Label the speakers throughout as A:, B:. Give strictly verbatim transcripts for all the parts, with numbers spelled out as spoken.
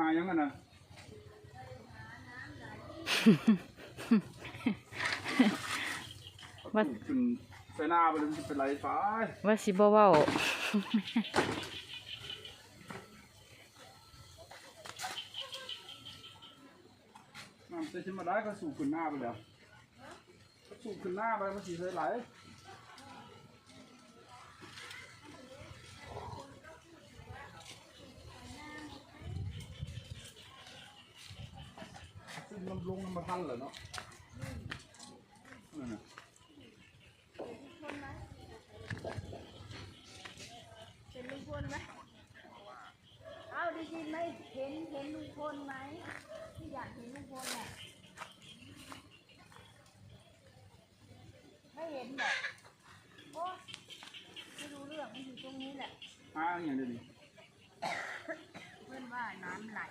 A: ยังไงนะว่าเป็นไฟหน้าไปเลยเป็นไรฟ้า
B: ว่าสิบ่เว้า
A: น้ำเต็มมาได้ก็สูบขึ้นหน้าไปแล้วสูบขึ้นหน้าไปมันสีใสไหลซึ่งลำลงมาทันเหรอเนาะนั่นน่ะ
C: เป็นลุงพลไหมเอาได้ยินไหมเห็นเห็นลุงพลไหมที่อยากเห็นลุงพลแหละไม่เห็นหรอกโอ้ไม่รู้เรื่องมันอยู่ตรงนี้แหละ
A: อ้าอย่างเดียวดิ
C: เพื่อนว่าน้ำไหล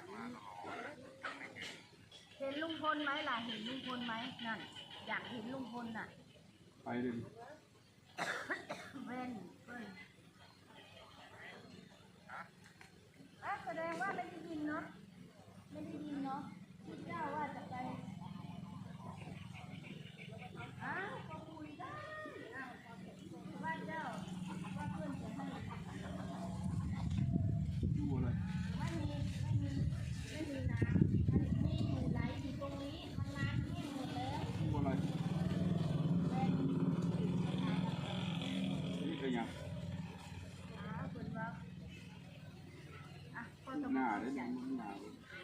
C: เห็นลุงพลไหมล่ะเห็นลุงพลไหมนั่นอยากเห็นลุงพลน่ะ
A: ไปเลยดิ
C: เว้นเพื่อนแสดงว่าไม่ได้ยินเนาะไม่ได้ยินเนาะคุณเจ้าว่าจะไปอ้าวก็คุยได้ว่าเจ้าว่าเพื่อนจะให้
A: ดูอะไร
C: ไม่มีไม่มีไม่มีน้ำมันมีอยู่ไหลอยู่ตรงนี้มันน้ำแห้งหมดแล้ว
A: ดูอะไรนี่คือยัง
C: อ้าวคุณว่าอ่ะคนสม
A: หน้า
C: อง
A: ได้
C: ให
A: ยั
C: ญ่
A: งหน้า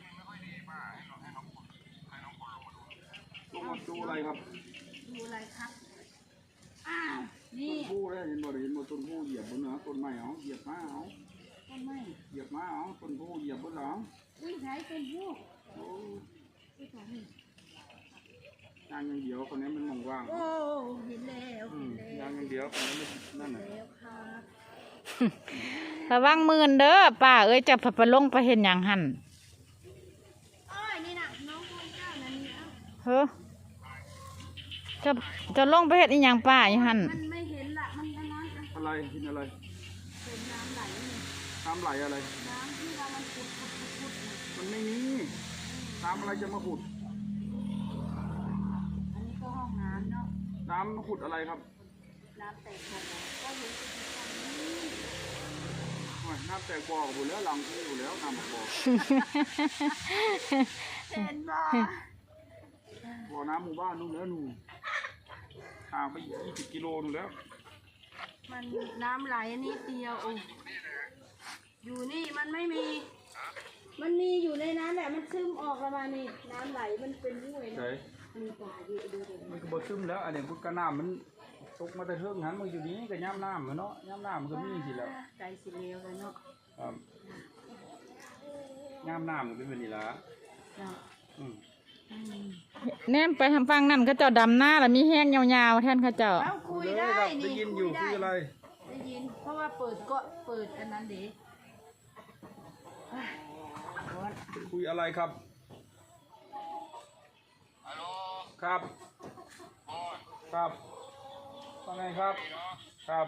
A: ลงมาดูอะไรครับ
C: ดูอะไรครับอ้าวนี่
A: ต้นผู้ได้เห็นบ่ได้เห็นบ่ต้นผู้เหยียบบนเหนือต้นไม้เอาเหยียบมาเอา
C: ต้นไม้
A: เหยียบมาเอาต้นผู้เหยียบบนหลัง
C: อุ้ยใช้เป็นพวก
A: โอ้
C: ที่ตรงนี้
A: ยางอย่างเดียวคนนี้มันมองว่าง
C: โอ้เห็นแล้วเห็นแล้ว
A: ยางอย่างเดียวคนนี้นั่นน่ะ
C: แล้วครับ
B: ระวังมือเด้อป้าเอ้ยจะไปลงไปเห็นอย่างหัน
C: อ้อยนี่น่ะน้องคนเจ้านั่นนี่เอ้า
B: เฮ้อจะจะลงไปเห็นอีหยังป้าอย่างหัน
C: มันไม่เห็นละมันน้อยๆ
A: อะไรเห็นอะไร
C: เป็นน้ำไหลนี่
A: น้ำไหลอะไร
C: น้ำที่เรามันขุดขุดขุดขุด
A: มันไม่มีน้ำอะไรจะมาขุด
C: อันนี้ก็ห้องน้ำเนาะ
A: น้ำมาขุดอะไรครับ
C: น้ำแตกบ่อก็อยู่ที่ตรงนี้
A: น้ำแตกบ่ออยู่แล้วหลังที่อยู่แล้วน้ำบ่อ
C: เห็นบ่
A: บ่อน้ำหมู่บ้านนู่นแล้วนู่นห่างไปยี่สิบกิโลนู่นแล้ว
C: มันน้ำไหลนิดเดียวอยู่นี่มันไม่มีมันมีอยู่ในนั้นแหละมันซึมออกประมาณนี้น้ำไหลมันเป็นห้วยนะมีป่าอยู่ดูดิ
A: มันก็บ่ซึมแล้วอันนี้พุทธน้ำมันตกมาแต่เทิงหันมาอยู่นี้ก็ย่ำน้ำเนาะย่ำน้ำมันก็มีสิแล้ว
C: ใจสิเลวเลยเนาะ
A: ครับย่ำน้ำมันเป็นแบบนี้ละ
B: แนมไปทำฟังนั่นเขาเจ้าดำหน้าแล้วมีแห้งยาวๆแทนเขาเจ้า
C: คุยได้
A: ได้ยินอยู่คุยอะไร
C: ได้ยินเพราะว่าเปิดก็เปิดอันนั้นเด็
A: คุยอะไรครับครับครับว่าไงครับครับ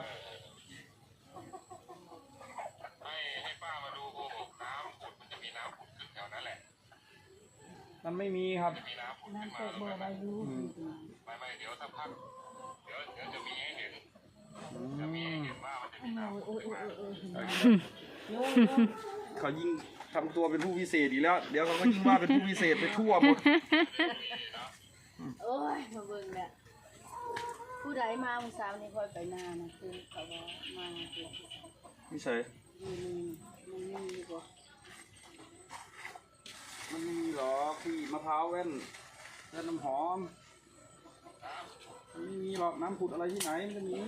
D: ให้ให้ป้ามาดูโกหกน้ำขุดมันจะมีน้ำขุดขึ้นแถวนั้นแหละ
A: มันไม่มีครับ
D: มีน้ำขุดขึ้นมา
C: บ่อใบยู
D: ไม่ไม่เดี๋ยวสักพักเดี๋ยวเดี๋ยวจะมีให้เห็นจะมีให้เห็นว่ามันจะมีน้ำขุดขึ้นมา
A: เขายิ่งทำตัวเป็นผู้พิเศษอีกแล้วเดี๋ยวเขาก็ยิ่งว่าเป็นผู้พิเศษไปทั่วหมด
C: โอ้ยมาเบิ่งแหละผู้ใดมาเมื่อเช้านี้ค่อยไปนานะคือเขาว่ามา
A: ไม่ใช่
C: มันมีมันมีบ่
A: มันมีหรอพี่มะพร้าวแว่นแว่นน้ำหอมไม่มีหรอกน้ำขุดอะไรที่ไหนมันจะมี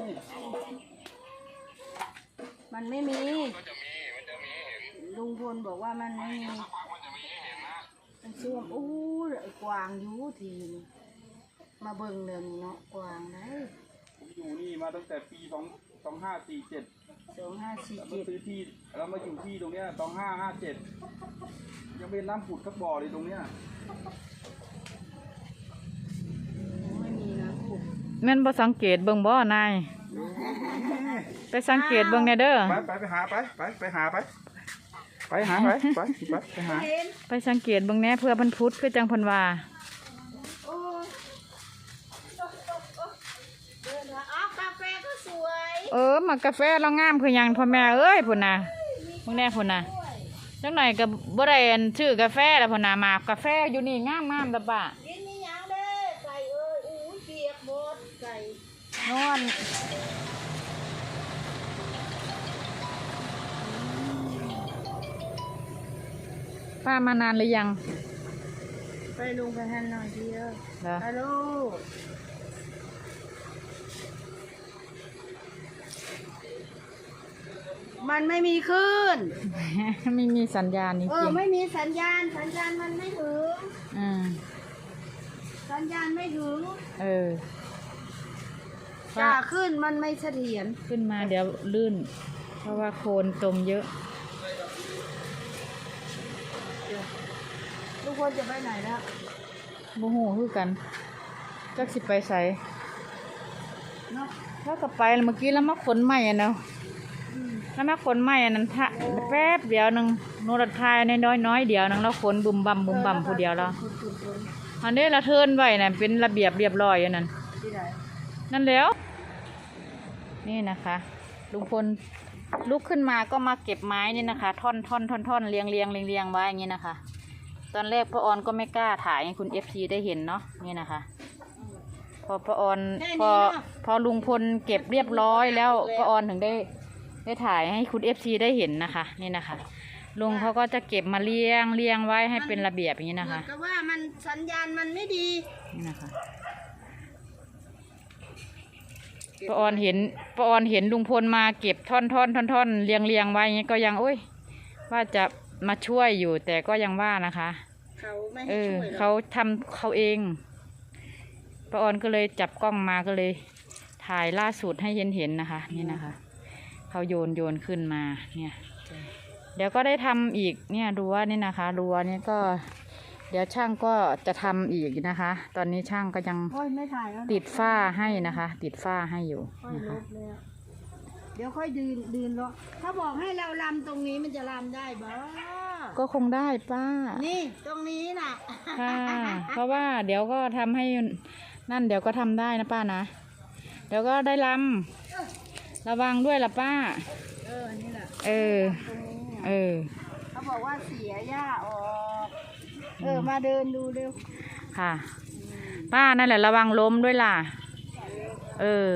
C: มันไม่มี
D: ก็จะมีมันจะมีเห็น
C: ลุงพลบอกว่ามันไม่มี
D: มันจะมีให้เห็นนะ
C: มันช่วงโอ้ยกวางอยู่ทีมาเบิ่งเรื่องเนาะกวางได้
A: ผมอยู่นี่มาตั้งแต่ปีสองสองห้าสี่เจ็ด
C: สองห้าสี่
A: เจ็ดมาซื้อที่แล้วมาอยู่ที่ตรงเนี้ยสองห้าห้าเจ็ดยังเป็นน้ำผุดสักบ่อเลยตรงเนี้ย
C: ไม่มีน้ำผุด
B: แม่นบ่สังเกตเบิ่งบ่นายไปสังเกตเบิ่งแน่เด้อ
A: ไปไปไปหาไปไปไปหาไปไปหาไปไปไปไปหา
C: เห็น
B: ไปสังเกตเบิ่งแหน่เพื่อเพิ่นพุทธคือจังเพิ่นว่า
C: โอ้ยเดินมาอ้าวกาแฟก็สวย
B: เออหมักกาแฟเรางามคือหยังพ่อแม่เอ้ยพุ่นน่ะเบิ่งแน่พุ่นน่ะจังหน่อยก็บ่ได้อันชื่อกาแฟแล้วพุ่นน่ะหมากกาแฟอยู่นี่งามๆตะป้า
C: กินนี่ยังเด้ไก่เอ้ยอู้ยเปียกหมดไก่
B: นอนป้ามานานหรือยัง
C: ไปลงไปหันหน่อยเดียว
B: เหรอ
C: ฮัลโหลมันไม่มีคลื่น
B: ไม่มีสัญญาณจ
C: เอ
B: ริ
C: อง ไม่มีสัญญาณสัญญาณมันไม่ถึง
B: ๆอืม
C: สัญญาณไม่ถึง
B: เออ
C: จ่าขึ้นมันไม่เสถียร
B: ขึ้นมาเดี๋ยวลื่น เพราะว่าโคลนตมเยอะ
C: ทุกคนจะไปไหนแล้ว
B: โมโหคือกันจักสิไปใส่
C: เนาะ
B: ถ้ากับไปเมื่อกี้แล้วมาขนใหม่อ่ะเนาะ
C: อืม
B: แล้วมาขนใหม่อันนั้นทะแป๊บเดียวหนึงโนรัดทายในน้อยน้อยๆเดียวหนึงแล้วขนบุมบัมบุมบัมผู้เดียวแล้ว
C: คุณคุณคุณ
B: อันนี้เราเทิร์นไว้น่ะเป็นระเบียบเรียบร้อยอยู่นั่น
C: ที่ไหน
B: นั่นแล้ว นี่นะคะลุงพลลุกขึ้นมาก็มาเก็บไม้นี่นะคะ ท่อนท่อนท่อนท่อนเรียงเรียงเรียงเรียงไว้อย่างนี้นะคะ ตอนแรกป้าออนก็ไม่กล้าถ่ายให้คุณเอฟซีได้เห็นเนาะนี่นะคะ พอป้าออนพอพอลุงพลเก็บเรียบร้อยแล้วป้าออนถึงได้ได้ถ่ายให้คุณเอฟซีได้เห็นนะคะ นี่นะคะ ลุงเขาก็จะเก็บมาเรียงเรียงไว้ให้เป็นระเบียบอย่างนี้นะคะ
C: เหมือนกับว่ามันสัญญาณมันไม่ดี
B: นี่นะคะป้าออนเห็นป้าออนเห็นลุงพลมาเก็บท่อนท่อนท่อนท่อนเรียงเรียงไว้อย่างนี้ก็ยังโอ้ยว่าจะมาช่วยอยู่ แต่ก็ยังว่านะคะ
C: เขาไม่
B: เอ
C: ให้
B: อ
C: ช่วยหร
B: เขา
C: อก
B: ทำเขาเองป้าออนก็เลยจับกล้องมาก็เลยถ่ายล่าสุดให้เห็นเห็นนะคะ นี่นะคะเขาโยนโยนขึ้นมาเนี่ย เดี๋ยวก็ได้ทำอีกเนี่ยรั้วนี่นะคะรั้วนี่ก็ เดี๋ยวช่างก็จะทำอีกนะคะ ตอนนี้ช่างก็ยัง
C: โอ้ยไม่ถ่ายแล้วนะ
B: ติดฝ้าให้นะคะ ติดฝ้าให้อยู่
C: ค่อย
B: นะ
C: ล
B: คะ
C: บเลยอะเดี๋ยวค่อยดืนดืนเลาะถ้าบอกให้เราลำตรงนี้มันจะลำได้บ่
B: ก็คงได้ป้า
C: นี่ตรงนี้น่ะ
B: ค่ะเพราะว่าเดี๋ยวก็ทำให้นั่นเดี๋ยวก็ทำได้นะป้านะ เดี๋ยวก็ได้ลำระวังด้วยล่ะป้า
C: เออ นี่แหละ
B: เออ
C: ตรงนี้
B: เอ
C: น่ะ
B: อ
C: เขาบอกว่าเสียหญ้าออก เออ มาเดินดูเร็ว
B: ค่ะ ป้านั่นแหละระวังล้มด้วยล่ะ เออ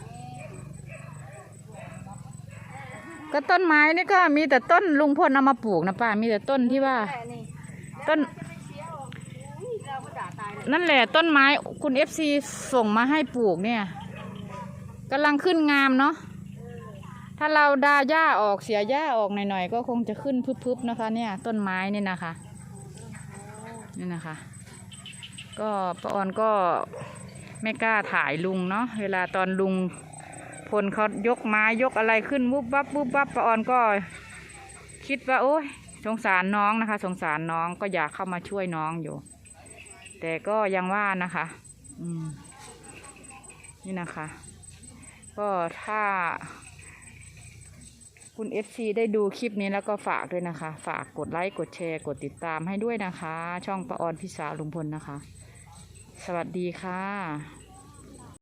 B: ก็ต้นไม้นี่ก็มีแต่ต้นลุงพลเอามาปลูกนะป้า มีแต่ต้นที่ว่า
C: แต่นี่
B: ต้น
C: จะไปเสียออกอุ้ยเราก็ด่าตายเลย
B: นั่นแหละต้นไม้คุณเอฟซีส่งมาให้ปลูกเนี่ยกำลังขึ้นงามเนาะถ้าเราดาหญ้าออกเสียหญ้าออกหน่อยๆก็คงจะขึ้นพึบๆนะคะ เนี่ย ต้นไม้นี่นะคะนี่นะคะ ก็ป้าออนก็ไม่กล้าถ่ายลุงเนาะเวลาตอนลุงพลเขายกไม้ยกอะไรขึ้นวุบวับวุบวับป้าออนก็คิดว่าโอ้ยสงสารน้องนะคะ สงสารน้องก็อยากเข้ามาช่วยน้องอยู่ แต่ก็ยังว่านะคะ อืม นี่นะคะ ก็ถ้า คุณเอฟซีได้ดูคลิปนี้แล้วก็ฝากด้วยนะคะ ฝากกดไลค์กดแชร์กดติดตามให้ด้วยนะคะ ช่องป้าออนพิสาลุงพลนะคะ สวัสดีค่ะ